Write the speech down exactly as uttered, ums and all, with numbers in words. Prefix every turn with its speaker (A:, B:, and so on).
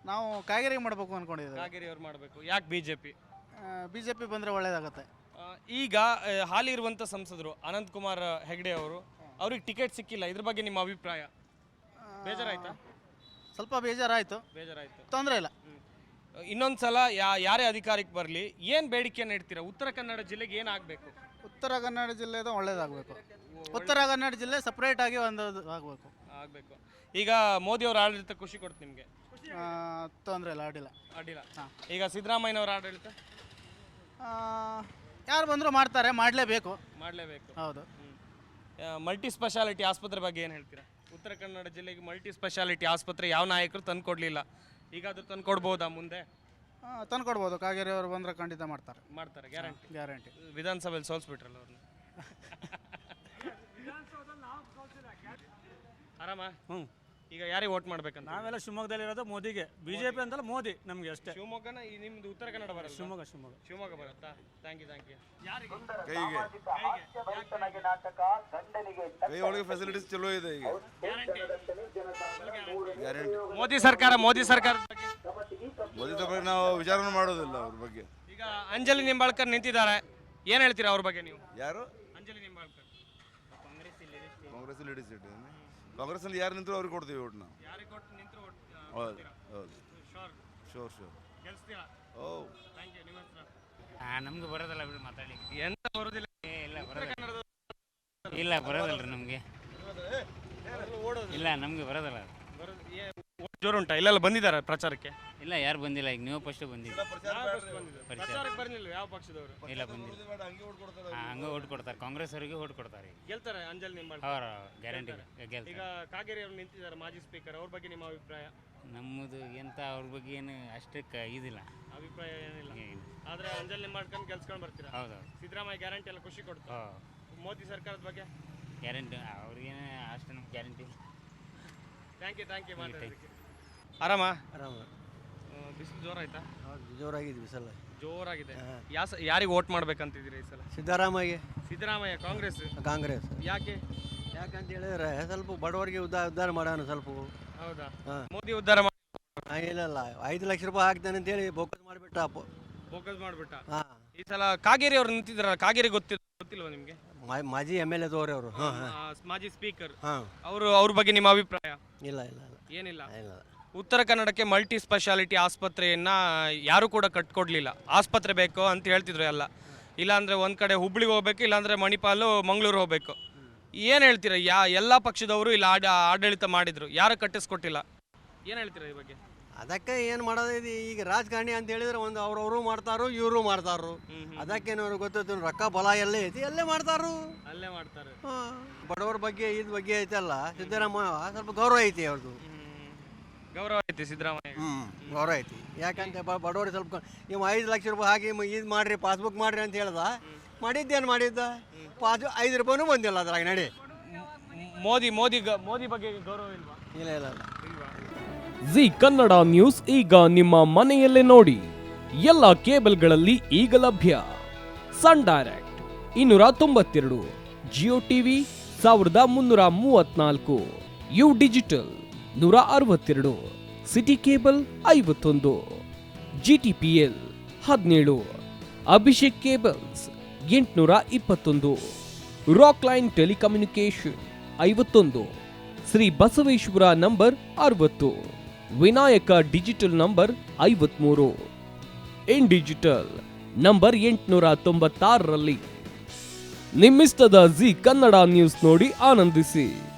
A: ನಾವು ಕಾಗೇರಿ ಮಾಡಬೇಕು ಅಂದ್ಕೊಂಡಿದ್ದೀವಿ.
B: ಕಾಗೇರಿ ಅವ್ರು ಮಾಡಬೇಕು. ಯಾಕೆ B J P?
A: B J P ಬಂದರೆ ಒಳ್ಳೆಯದಾಗುತ್ತೆ.
B: ಈಗ ಆ, ಹಾಲಿ ಇರುವಂಥ ಸಂಸದರು ಅನಂತ್ ಕುಮಾರ್ ಹೆಗ್ಡೆ ಅವರು, ಅವ್ರಿಗೆ ಟಿಕೆಟ್ ಸಿಕ್ಕಿಲ್ಲ. ಇದ್ರ ಬಗ್ಗೆ ನಿಮ್ಮ ಅಭಿಪ್ರಾಯ? ಬೇಜಾರಾಯ್ತಾ?
A: ಸ್ವಲ್ಪ ಬೇಜಾರಾಯಿತು,
B: ಬೇಜಾರಾಯ್ತು.
A: ತೊಂದರೆ ಇಲ್ಲ.
B: ಇನ್ನೊಂದು ಸಲ ಯಾ ಯಾರೇ ಅಧಿಕಾರಕ್ಕೆ ಬರಲಿ ಏನು ಬೇಡಿಕೆಯನ್ನು ಇಡ್ತೀರಾ? ಉತ್ತರ ಕನ್ನಡ ಜಿಲ್ಲೆಗೆ ಏನಾಗಬೇಕು?
A: ಉತ್ತರ ಕನ್ನಡ ಜಿಲ್ಲೆದು ಒಳ್ಳೇದಾಗಬೇಕು. ಉತ್ತರ ಕನ್ನಡ ಜಿಲ್ಲೆ ಸಪ್ರೇಟ್ ಆಗಿ ಒಂದು ಆಗಬೇಕು
B: ಆಗಬೇಕು. ಈಗ ಮೋದಿ ಅವರ ಆಡಳಿತ ಖುಷಿ ಕೊಡ್ತು ನಿಮಗೆ?
A: ತೊಂದರೆ ಇಲ್ಲ, ಅಡ್ಡಿಲ್ಲ.
B: ಅಡ್ಡಿಲ್ಲ. ಈಗ ಸಿದ್ದರಾಮಯ್ಯನವರ ಆಡಳಿತ
A: ಯಾರು ಬಂದರೂ ಮಾಡ್ತಾರೆ, ಮಾಡಲೇಬೇಕು.
B: ಮಾಡಲೇಬೇಕು.
A: ಹೌದು.
B: ಮಲ್ಟಿ ಸ್ಪೆಷಾಲಿಟಿ ಆಸ್ಪತ್ರೆ ಬಗ್ಗೆ ಏನು ಹೇಳ್ತೀರಾ? ಉತ್ತರ ಕನ್ನಡ ಜಿಲ್ಲೆಗೆ ಮಲ್ಟಿ ಸ್ಪೆಷಾಲಿಟಿ ಆಸ್ಪತ್ರೆ ಯಾವ ನಾಯಕರು ತಂದು ಕೊಡಲಿಲ್ಲ, ಈಗ ಅದು ತಂದು ಕೊಡ್ಬೋದಾ ಮುಂದೆ?
A: ತಂದು ಕೊಡ್ಬೋದು. ಕಾಗೇರಿ ಅವರು ಬಂದರೆ ಖಂಡಿತ ಮಾಡ್ತಾರೆ.
B: ಮಾಡ್ತಾರೆ, ಗ್ಯಾರಂಟಿ.
A: ಗ್ಯಾರಂಟಿ.
B: ವಿಧಾನಸಭೆಯಲ್ಲಿ ಸೋಲ್ಸ್ಬಿಟ್ರಲ್ಲ ಅವ್ರನ್ನ. ಆರಾಮ?
C: ಹ್ಞೂ.
B: ಈಗ ಯಾರಿಗೆ ವೋಟ್ ಮಾಡ್ಬೇಕಂತ?
C: ನಾವೆಲ್ಲ ಶಿವಮೊಗ್ಗದಲ್ಲಿ ಇರೋದು ಮೋದಿಗೆ. ಬಿಜೆಪಿ ಅಂತಲ್ಲ, ಮೋದಿ ನಮಗೆ ಅಷ್ಟೇ.
B: ಶಿವಮೊಗ್ಗನ ಈ ನಿಮ್ದು ಉತ್ತರ ಕನ್ನಡ ಬರಲ್ಲ?
C: ಶಿವಮೊಗ್ಗ ಶಿವಮೊಗ್ಗ
B: ಶಿವಮೊಗ್ಗ ಬರುತ್ತಾ? Thank you thank you. ಯಾರಿಗೆ?
D: ಕೈಗೆ ಕೈ ಒಳಗೆ ಫೆಸಿಲಿಟೀಸ್ ಚಲೋ ಇದೆ ಈಗ. ಗ್ಯಾರಂಟಿ.
B: ಮೋದಿ ಸರ್ಕಾರ ಮೋದಿ ಸರ್ಕಾರ
D: ಮೋದಿ ಬಗ್ಗೆ ನಾವು ವಿಚಾರ ಮಾಡೋದಿಲ್ಲ ಅವ್ರ ಬಗ್ಗೆ.
B: ಈಗ ಅಂಜಲಿ ನಿಂಬಾಳ್ಕರ್ ನಿಂತಿದ್ದಾರೆ, ಏನು ಹೇಳ್ತೀರಾ ಅವ್ರ ಬಗ್ಗೆ ನೀವು?
D: ಯಾರು?
B: ಅಂಜಲಿ ನಿಂಬಾಳ್ಕರ್.
D: Congress leader seat. ಕಾಂಗ್ರೆಸ್ ಅಲ್ಲಿ ಯಾರು ನಿಂತರು ಅವ್ರಿಗೆ ಕೊಡ್ತೀವಿ ಓಟ್ ನಾವು.
B: ಯಾರಿಗೆ ಕೊಟ್ಟು ನಿಂತರು ಓಟ್?
D: ಹೌದು ಹೌದು.
B: Sure
D: sure sure.
B: ಗೆಲ್ಸ್ತೀರಾ?
D: Oh
B: thank you. ನಿಮ್ಮ ಹೆಸರು?
E: ಹಾಂ, ನಮ್ಗೆ ಬರೋದಲ್ಲ ಬಿಡಿ ಮಾತಾಡಿ.
B: ಎಂತ ಬರೋದಿಲ್ಲ?
E: ಇಲ್ಲ ಬರೋದಿಲ್ಲ. ಇಲ್ಲ ಬರೋದಲ್ಲ ರೀ ನಮಗೆ. ಇಲ್ಲ ನಮಗೆ ಬರೋದಲ್ಲ.
B: ಜೋರು ಉಂಟಾ? ಇಲ್ಲೆಲ್ಲ ಬಂದಿದ್ದಾರೆ ಪ್ರಚಾರಕ್ಕೆ?
E: ಇಲ್ಲ, ಯಾರು ಬಂದಿಲ್ಲ. ಈಗ ನೀವು ಫಸ್ಟ್ ಬಂದಿಲ್ಲ.
B: ಪ್ರಚಾರಕ್ಕೆ ಬರ್ಲಿಲ್ಲ ಯಾವ ಪಕ್ಷದವರು?
E: ಇಲ್ಲ ಬಂದಿಲ್ಲ. ಹಾಂ, ಹಂಗೆ ಓಟ್ ಕೊಡ್ತಾರೆ. ಕಾಂಗ್ರೆಸ್ ಅವರಿಗೆ ಓಟ್ ಕೊಡ್ತಾರೆ.
B: ಗೆಲ್ತಾರೆ ಅಂಜಲಿ ನಿಂಬಾಳ್ಕರ್?
E: ಅವರ ಗ್ಯಾರಂಟಿ ಗೆಲ್ತಾರೆ.
B: ಈಗ ಕಾಗೇರಿ ಅವರು ನಿಂತಿದ್ದಾರೆ, ಮಾಜಿ ಸ್ಪೀಕರ್, ಅವ್ರ ಬಗ್ಗೆ ನಿಮ್ಮ ಅಭಿಪ್ರಾಯ?
E: ನಮ್ಮದು ಎಂತ ಅವ್ರ ಬಗ್ಗೆ ಏನು ಅಷ್ಟಕ್ಕೆ ಇದಿಲ್ಲ,
B: ಅಭಿಪ್ರಾಯ ಏನಿಲ್ಲ. ಆದ್ರೆ ಅಂಜಲಿ ನಿಂಬಾಳ್ಕರ್ ಗೆಲ್ಸ್ಕೊಂಡು ಬರ್ತೀರಾ?
E: ಹೌದು.
B: ಸಿದ್ದರಾಮಯ್ಯ ಗ್ಯಾರಂಟಿ ಎಲ್ಲ ಖುಷಿ ಕೊಡ್ತು. ಮೋದಿ ಸರ್ಕಾರದ ಬಗ್ಗೆ
E: ಗ್ಯಾರಂಟಿ ಅವ್ರಿಗೇನು ಅಷ್ಟು ನಮ್ಗೆ guarantee.
B: Thank you thank you. ಮಾತಾಡೋದಕ್ಕೆ. ಆರಾಮ?
F: ಆರಾಮ.
B: ಬಿಸಿಲು ಜೋರಾಯ್ತಾ?
F: ಜೋರಾಗಿದೆ ಬಿಸಲ್ಲ.
B: ಜೋರಾಗಿದೆ. ಯಾ ಯಾರಿಗೆ ವೋಟ್ ಮಾಡ್ಬೇಕಂತಿದ್ದೀರಿ ಈ ಸಲ?
F: ಸಿದ್ದರಾಮಯ್ಯ.
B: ಸಿದ್ದರಾಮಯ್ಯ ಕಾಂಗ್ರೆಸ್?
F: ಕಾಂಗ್ರೆಸ್.
B: ಯಾಕೆ?
F: ಯಾಕಂತ ಹೇಳಿದ್ರೆ ಸ್ವಲ್ಪ ಬಡವರಿಗೆ ಉದ್ಧಾರ ಉದ್ಧಾರ ಮಾಡೋಣ ಸ್ವಲ್ಪ.
B: ಹೌದಾ?
F: ಹಾಂ.
B: ಮೋದಿ ಉದ್ಧಾರ ಮಾಡಿ
F: ಇಲ್ಲ ಐದು ಲಕ್ಷ ರೂಪಾಯಿ ಹಾಕ್ತಾನೆ ಅಂತೇಳಿ ಬೋಕಸ್ ಮಾಡಿಬಿಟ್ಟ.
B: ಫೋಕಸ್ ಮಾಡಿಬಿಟ್ಟ.
F: ಹಾಂ.
B: ಈ ಸಲ ಕಾಗೇರಿ ಅವ್ರು ನಿಂತಿದ್ದಾರಲ್ಲ, ಕಾಗೇರಿ ಗೊತ್ತಿಲ್ಲ ಗೊತ್ತಿಲ್ವಾ ನಿಮಗೆ?
F: ಮಾಜಿ ಎಮ್ ಎಲ್ ಎ ತೋರಿ ಅವರು. ಹಾಂ ಹಾಂ.
B: ಮಾಜಿ ಸ್ಪೀಕರ್.
F: ಹಾಂ.
B: ಅವರು ಅವ್ರ ಬಗ್ಗೆ ನಿಮ್ಮ ಅಭಿಪ್ರಾಯ?
F: ಇಲ್ಲ ಇಲ್ಲ ಇಲ್ಲ
B: ಏನಿಲ್ಲ.
F: ಇಲ್ಲ.
B: ಉತ್ತರ ಕನ್ನಡಕ್ಕೆ ಮಲ್ಟಿ ಸ್ಪೆಷಾಲಿಟಿ ಆಸ್ಪತ್ರೆಯನ್ನ ಯಾರು ಕೂಡ ಕಟ್ಕೊಡ್ಲಿಲ್ಲ. ಆಸ್ಪತ್ರೆ ಬೇಕು ಅಂತ ಹೇಳ್ತಿದ್ರು ಎಲ್ಲ. ಇಲ್ಲಾಂದ್ರೆ ಒಂದ್ ಕಡೆ ಹುಬ್ಳಿಗೆ ಹೋಗ್ಬೇಕು, ಇಲ್ಲಾಂದ್ರೆ ಮಣಿಪಾಲು ಮಂಗಳೂರು ಹೋಗ್ಬೇಕು. ಏನು ಹೇಳ್ತೀರಾ? ಯಾ ಎಲ್ಲ ಪಕ್ಷದವರು ಇಲ್ಲ ಆಡ ಆಡಳಿತ ಮಾಡಿದ್ರು, ಯಾರು ಕಟ್ಟಿಸ್ಕೊಟ್ಟಿಲ್ಲ. ಏನು ಹೇಳ್ತೀರಾ ಈ ಬಗ್ಗೆ?
F: ಅದಕ್ಕೆ ಏನು ಮಾಡೋದು ಈಗ ರಾಜಕಾರಣಿ ಅಂತ ಹೇಳಿದ್ರೆ ಒಂದು ಅವ್ರವರು ಮಾಡ್ತಾರೋ ಇವರು ಮಾಡ್ತಾರೋ. ಅದಕ್ಕೇನವ್ರು ಗೊತ್ತೈತಿ ರೊಕ್ಕ ಬಲ ಎಲ್ಲೇ ಐತಿ ಅಲ್ಲೇ ಮಾಡ್ತಾರು,
B: ಅಲ್ಲೇ ಮಾಡ್ತಾರೆ.
F: ಬಡವರ ಬಗ್ಗೆ ಇದ್ ಬಗ್ಗೆ ಐತಲ್ಲ ಸಿದ್ದರಾಮಯ್ಯ ಸ್ವಲ್ಪ ಗೌರವ ಐತಿ ಅವ್ರದ್ದು.
B: ಗೌರವ ಐತಿ ಸಿದ್ದರಾಮಯ್ಯ.
F: ಹ್ಮ್ ಗೌರವ ಐತಿ. ಯಾಕಂತ ಬಡವರಿಗೆ ಸ್ವಲ್ಪ ನೀವು ಐದು ಲಕ್ಷ ರೂಪಾಯಿ ಹಾಕಿ ಇದು ಮಾಡ್ರಿ, ಪಾಸ್ಬುಕ್ ಮಾಡ್ರಿ ಅಂತ ಹೇಳ್ದ. ಮಾಡಿದ್ದೇನು ಮಾಡಿದ್ದ? ಪಾಸ್ ಐದು ರೂಪಾಯಿನೂ ಬಂದಿಲ್ಲ ಅದ್ರಾಗ. ನಡಿ.
B: ಮೋದಿ ಮೋದಿ ಮೋದಿ ಬಗ್ಗೆ ಗೌರವ ಇಲ್ವಾ?
F: ಇಲ್ಲ ಇಲ್ಲ ಇಲ್ಲ.
G: ಜಿ ಕನ್ನಡ ನ್ಯೂಸ್ ಈಗ ನಿಮ್ಮ ಮನೆಯಲ್ಲೇ ನೋಡಿ. ಎಲ್ಲ ಕೇಬಲ್ಗಳಲ್ಲಿ ಈಗ ಲಭ್ಯ. ಸನ್ ಡೈರೆಕ್ಟ್ ಇನ್ನೂರ ತೊಂಬತ್ತೆರಡು, ಜಿಯೋ ಟಿವಿ ಸಾವಿರದ ಮುನ್ನೂರ ಮೂವತ್ನಾಲ್ಕು, ಯು ಡಿಜಿಟಲ್ ನೂರ ಅರವತ್ತೆರಡು, ಸಿಟಿ ಕೇಬಲ್ ಐವತ್ತೊಂದು, ಜಿಟಿಪಿಎಲ್ ಹದಿನೇಳು, ಅಭಿಷೇಕ್ ಕೇಬಲ್ಸ್ ಎಂಟುನೂರ ಇಪ್ಪತ್ತೊಂದು, ರಾಕ್ ಲೈನ್ ಟೆಲಿಕಮ್ಯುನಿಕೇಶನ್ ಐವತ್ತೊಂದು, ಶ್ರೀ ಬಸವೇಶ್ವರ ನಂಬರ್ ಅರವತ್ತು, ವಿನಾಯಕ ಡಿಜಿಟಲ್ ನಂಬರ್ ಐವತ್ಮೂರು, ಇನ್ ಡಿಜಿಟಲ್ ನಂಬರ್ ಎಂಟುನೂರ ತೊಂಬತ್ತಾರರಲ್ಲಿ. ನಿಮ್ಮಿಸ್ತದ ಜಿ ಕನ್ನಡ ನ್ಯೂಸ್ ನೋಡಿ ಆನಂದಿಸಿ.